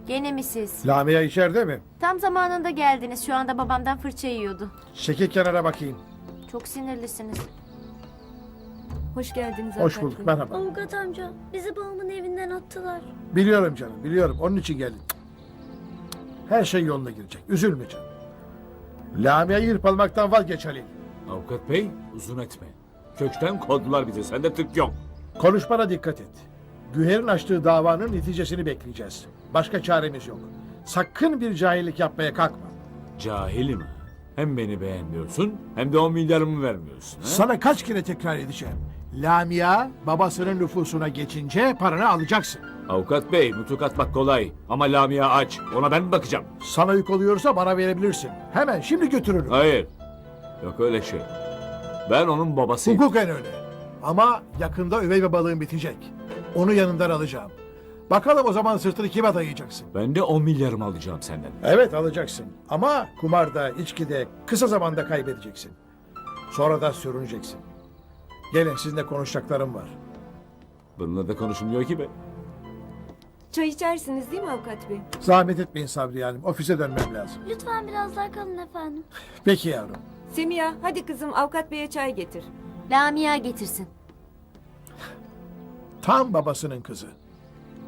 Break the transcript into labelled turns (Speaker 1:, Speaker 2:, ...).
Speaker 1: Gene mi siz?
Speaker 2: Lamia içeride mi?
Speaker 1: Tam zamanında geldiniz. Şu anda babamdan fırça yiyordu.
Speaker 2: Çekil kenara bakayım.
Speaker 1: Çok sinirlisiniz.
Speaker 3: Hoş geldiniz
Speaker 2: Hoş
Speaker 3: avukat
Speaker 2: bulduk,
Speaker 3: bey.
Speaker 2: merhaba.
Speaker 4: Avukat amca, bizi babamın evinden attılar.
Speaker 2: Biliyorum canım, biliyorum. Onun için geldim. Her şey yoluna girecek. Üzülme canım. Lamia'yı hırpalamaktan vazgeç Halil.
Speaker 5: Avukat bey uzun etme. Kökten kovdular bizi. Sende tık yok.
Speaker 2: Konuşmana dikkat et. Güher'in açtığı davanın neticesini bekleyeceğiz. Başka çaremiz yok. Sakın bir cahillik yapmaya kalkma.
Speaker 5: Cahilim ha. Hem beni beğenmiyorsun hem de 10 milyarımı vermiyorsun. Ha?
Speaker 2: Sana kaç kere tekrar edeceğim. Lamia babasının nüfusuna geçince paranı alacaksın.
Speaker 5: Avukat bey nutuk atmak kolay. Ama Lamia aç. Ona ben mi bakacağım?
Speaker 2: Sana yük oluyorsa bana verebilirsin. Hemen şimdi götürürüm.
Speaker 5: Hayır. Yok öyle şey. Ben onun babasıyım.
Speaker 2: Hukuken öyle. Ama yakında üvey babalığın bitecek. Onu yanından alacağım. Bakalım o zaman sırtını kime dayayacaksın?
Speaker 5: Ben de 10 milyarımı alacağım senden.
Speaker 2: Evet alacaksın. Ama kumarda, içkide kısa zamanda kaybedeceksin. Sonra da sürüneceksin. Gelin sizinle konuşacaklarım var.
Speaker 5: Bununla da konuşulmuyor ki be.
Speaker 3: Çay içersiniz değil mi avukat bey?
Speaker 2: Zahmet etmeyin Sabriye Hanım. Ofise dönmem lazım.
Speaker 4: Lütfen biraz daha kalın efendim.
Speaker 2: Peki yavrum.
Speaker 3: Semiha hadi kızım avukat beye çay getir.
Speaker 1: Lamia getirsin.
Speaker 2: Tam babasının kızı.